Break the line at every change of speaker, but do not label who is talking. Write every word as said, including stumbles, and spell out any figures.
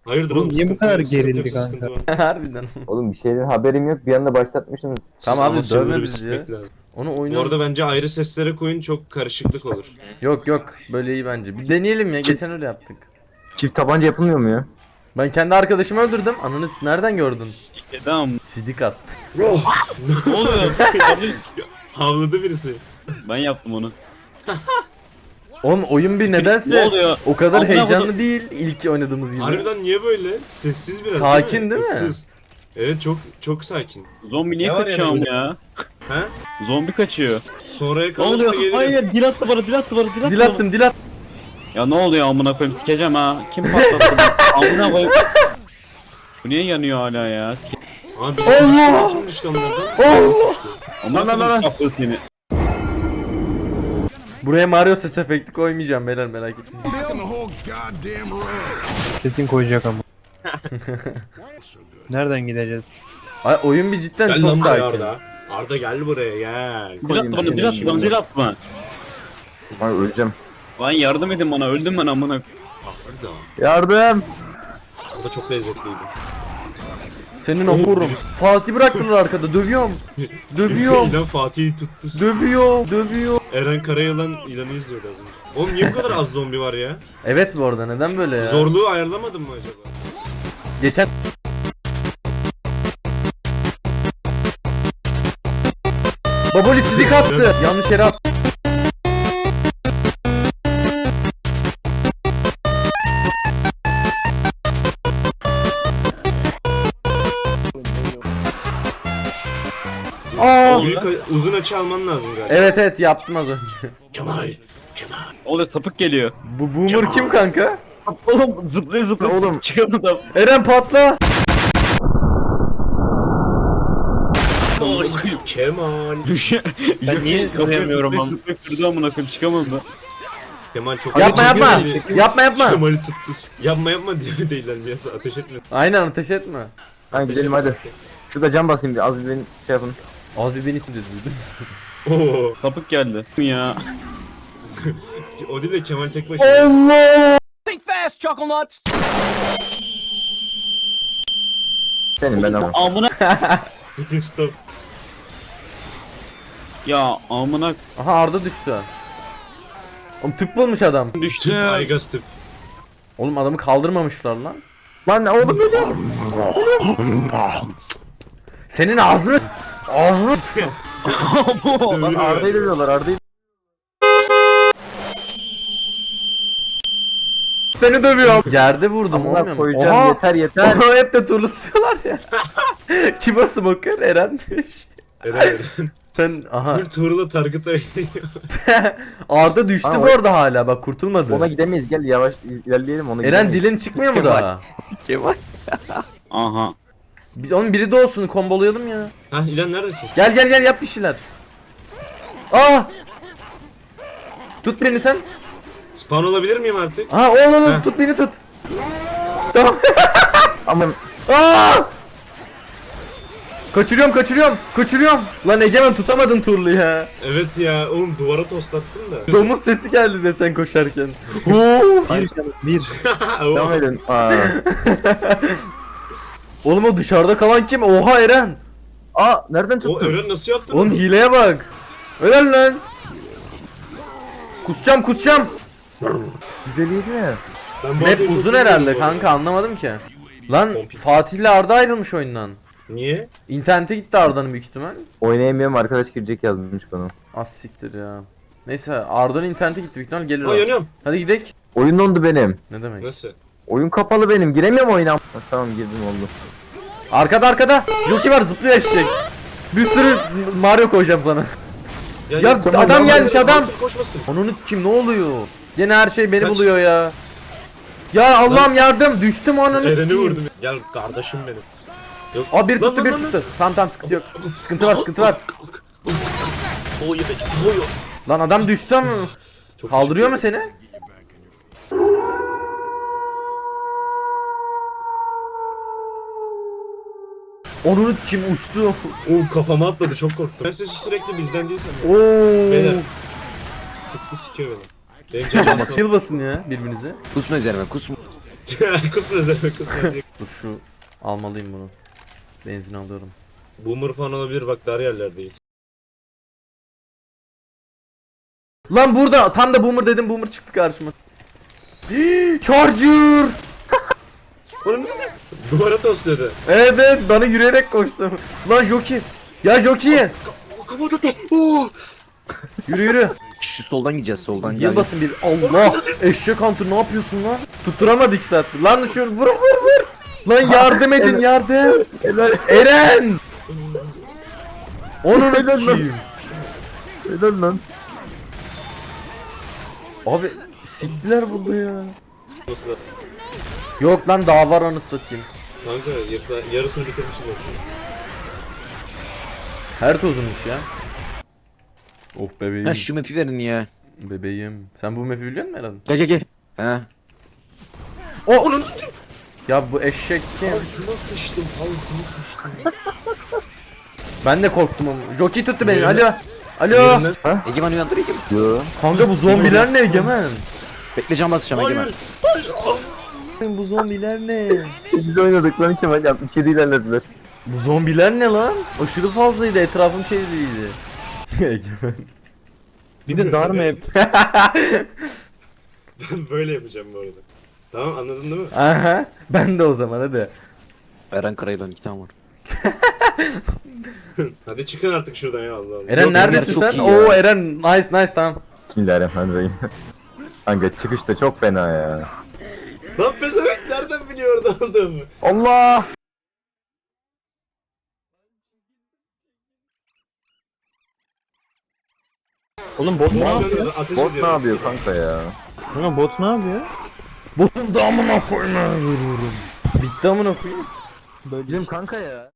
Hayırdır
Oğlum niye bu
sıkıntı
kadar
yok, sıkıntı
gerildi
yok, sıkıntı
kanka?
var.
Harbiden.
Oğlum bir şeyden haberim yok, bir anda başlatmışsınız.
Tamam
Ama
abi
server'ı
dövme
bir
bizi ya.
sikmek lazım.
Onu
Bu
oyunu...
arada bence ayrı seslere koyun, çok karışıklık olur.
Yok yok böyle iyi bence. Bir deneyelim ya, geçen öyle yaptık.
Çift tabanca yapılmıyor mu ya?
Ben kendi arkadaşımı öldürdüm. Ananı nereden gördün?
Tamam.
Sidik at.
Ne oluyor?
Havladı birisi.
Ben yaptım onu.
Oğlum oyun bir nedense
Ne oluyor?
o kadar
Amına
heyecanlı
koydum.
değil ilk oynadığımız gibi.
Harbiden niye böyle? Sessiz biraz.
Sakin değil mi?
Issız. Evet, çok çok sakin.
Zombi niye
Ne var
kaçıyor
yani?
ya?
Ha?
Zombi kaçıyor.
Sonraya
Ne
kalırsa
oluyor?
gelirim.
Hayır, dil attı bana, dil attı bana, dil attı
Dil
bana.
attım dil at.
Ya ne oluyor amına koyayım, sikeceğim ha. Kim patlattı bunu? Amına koyayım. Bu niye yanıyor hala ya?
Abi
Allah!
kim düştü onlardan?
Allah!
Amına
Lan, lan, lan.
koyayım saplı seni.
Buraya Mario ses efekti koymayacağım beyler, merak etmeyin.
Kesin koyacak ama. Nereden gideceğiz?
Ay, oyun bir cidden
Gel
çok
lan buraya
sakin.
Arda. Arda gel buraya gel.
Dil attı bana, dil attı bana, dil attı bana.
Ay öleceğim.
Lan yardım edin bana, öldüm ben amına.
Arda.
Yardım!
Arda çok lezzetliydi.
Senin omurum. Fatih bıraktılar arkada, dövüyorum. Dövüyorum.
İlan Fatih'i tuttu.
Dövüyor. Dövüyor.
Eren Karayılan İlan'ı izliyordu az önce. Oğlum niye bu kadar az zombi var ya?
Evet bu arada neden böyle ya?
Zorluğu ayarlamadın mı acaba?
Geçen Baboli sidik attı. Yanlış yere attı. Aa!
Büyük, uzun açı alman lazım galiba.
Evet evet yaptım az önce.
Kemal. Kemal.
Oluyor, sapık geliyor.
Bu boomer kim kanka?
Oğlum zıplıyor zıplıyor.
Oğlum.
Çıkamadım.
Eren patla.
Oy, Kemal.
Ben
niye koyamıyorum ama?
Zıplayıp durdu amına koyayım, çıkamadım.
Kemal çok
Yapma
Çok
yapma.
güzel.
Yapma yapma.
Kemal'i tuttu. Yapma yapma diyor değiller mi yasa, ateş etme.
Aynen ateş etme.
Hadi gidelim hadi. Şurada cam basayım bir, az bir beni şey yapın.
Az bir beni sinirledi.
Oo.
Sapık geldi. Ya.
O değil de Kemal tek başına.
Allah!
Senin ben ama.
Amına.
Bütün stop.
Ya amına
Aha Arda düştü. Oğlum tüp bulmuş adam.
Tüp
düştü.
Aygaz tüp.
Oğlum adamı kaldırmamışlar lan.
Lan oğlum benim.
Senin ağzını... Ağzını...
Lan Arda'yı dövüyorlar, Arda'yı.
Seni dövüyorum. Yerde vurdum olmuyor
Amına
mu?
koyacağım,
Oha!
yeter yeter.
Oha, hep de turlu tutuyorlar ya. Kim o smoker? Eren demiş.
Eren.
Sen aha.
Full Tuğrul'a target'a
Arda düştü
Aa,
bu arada hala bak, kurtulmadı.
Ona gidemeyiz, gel yavaş ilerleyelim ona
Eren
gidemeyiz.
dilin çıkmıyor mu daha?
Aha.
Bir- Onun biri de olsun, kombolayalım ya.
Hah İlan neredesin?
Gel gel gel yap bir şeyler. Aa! Tut beni sen.
Spawn olabilir miyim artık?
Aha oğlum
Heh.
tut beni tut. Tamam.
Aman
Aa! Kaçırıyorum kaçırıyorum kaçırıyorum. Lan Egemen tutamadın turlu ya.
Evet ya oğlum, duvara toslattın da.
Domuz sesi geldi de sen koşarken. Oo!
Bir canım, bir.
devam edin. Aa.
Oğlum o dışarıda kalan kim? Oha Eren.
Aa nereden
O
tuttun?
Eren nasıl yaptı?
Oğlum
bunu?
hileye bak. Ölen lan. Kusacağım kusacağım.
Güzeliydi mi?
Ben bu
Map
arada çok
uzun
bilmiyorum
herhalde
bu arada.
kanka, anlamadım ki. Lan
Kompil.
Fatih ile Arda ayrılmış oyundan.
Niye?
İnternete gitti Arda'nın büyük ihtimal.
Oynayamıyorum, arkadaş girecek yazmış bana.
Az siktir ya. Neyse Arda'nın internete gitti büyük ihtimal, gelir
Aa
o.
yanıyorum.
Hadi gidelim.
Oyun dondu benim.
Ne demek?
Nasıl?
Oyun kapalı benim, giremiyorum oyuna. Ha, tamam girdim oldu.
Arkada arkada. Joki var, zıplıyor eşek. Bir sürü Mario koyacağım sana. Ya
gel,
tamam,
adam
tamam.
gelmiş adam.
Koşmasın.
Onun kim, ne oluyor? Yine her şey beni
Kaç.
buluyor ya. Ya Allah'ım yardım, düştüm onun.
Eren'i vurdum. Gel kardeşim benim. Yok.
Aa bir
Lan,
tuttu
lan,
bir
lan,
tuttu. Tamam tamam sıkıntı yok. Sıkıntı var sıkıntı var.
O yemek. Oy.
Lan adam düştü ama.
Çok
Kaldırıyor mu
teşekkür
seni? Onun kim uçtu?
ederim. Oo kafama atladı, çok korktum. Ben sesi sürekli bizden değil sanıyorum.
Oo.
Beyler. Tıklı sikiyor beni. Benim canım
Yıl basın ya birbirinize.
Kusma üzerime kusma.
Kusma sen kusma diye.
Dur şu almalıyım bunu. Benzin alıyorum.
Boomer falan olabilir bak dar yerlerdeyiz.
Lan burada tam da boomer dedim, boomer çıktı karşıma. Charger!
Oğlum duvara tosladı.
Evet, bana yürüyerek koştum. Lan Joki. Ya Joki.
Kafa tuttu. Oo.
Yürü yürü.
Şu soldan gideceğiz soldan gel.
Yılmasın bir. Allah. Eşek hunter ne yapıyorsun lan? Tutturamadı iki saattir. Lan şu vur vur vur. Lan yardım edin yardım. Eren. Onun kim?
Helal lan.
Abi siktiler burada ya. Yok lan daha var, anasını satayım.
Kanka yarı- yarısını bitirmişiz zaten.
Her tozunmuş ya. Of bebeğim.
Ha şu map'i verin ya.
Bebeğim. Sen bu map'i biliyor musun Eren?
Gel gel gel. Ha.
O onun. Ya bu eşek kim?
Altıma sıçtım altıma sıçtım.
Ben de korktum ama. Jockey tuttu beni.
Yerinden-
Alo. Alo.
Yerinden-
Egemen uyandır Egemen.
Yo.
Kanka bu zombiler ne Egemen?
Bekle can basacağım Egemen.
Hayır. Hayır.
Bu zombiler ne?
Biz oynadık lan Kemal altmış yedi ilerlediler.
Bu zombiler ne lan? Aşırı fazlaydı, etrafım çevriliydi. Egemen.
Bir de dar mı hep?
Ben böyle yapacağım bu arada. Tamam anladın değil mi?
Aha. Ben de o zaman hadi.
Eren Karayılan iki tane var.
Hadi çıkın artık şuradan ya Allah Allah.
Eren
Yok,
neredesin
Eren
sen?
çok iyi ya.
Oo Eren nice nice tamam.
Bismillahirrahmanirrahim. Kanka çıkış da çok fena ya.
Lan pezevenk nereden biliyor orada olduğumu?
Allah! Oğlum bot
Ne yapıyorsun? Ateş
Bot ne
ediyorum.
yapıyor kanka ya? Kanka bot ne yapıyor?
Bunun da amına koyma vururum. Bitti amına koyayım.
Bizim kanka ya.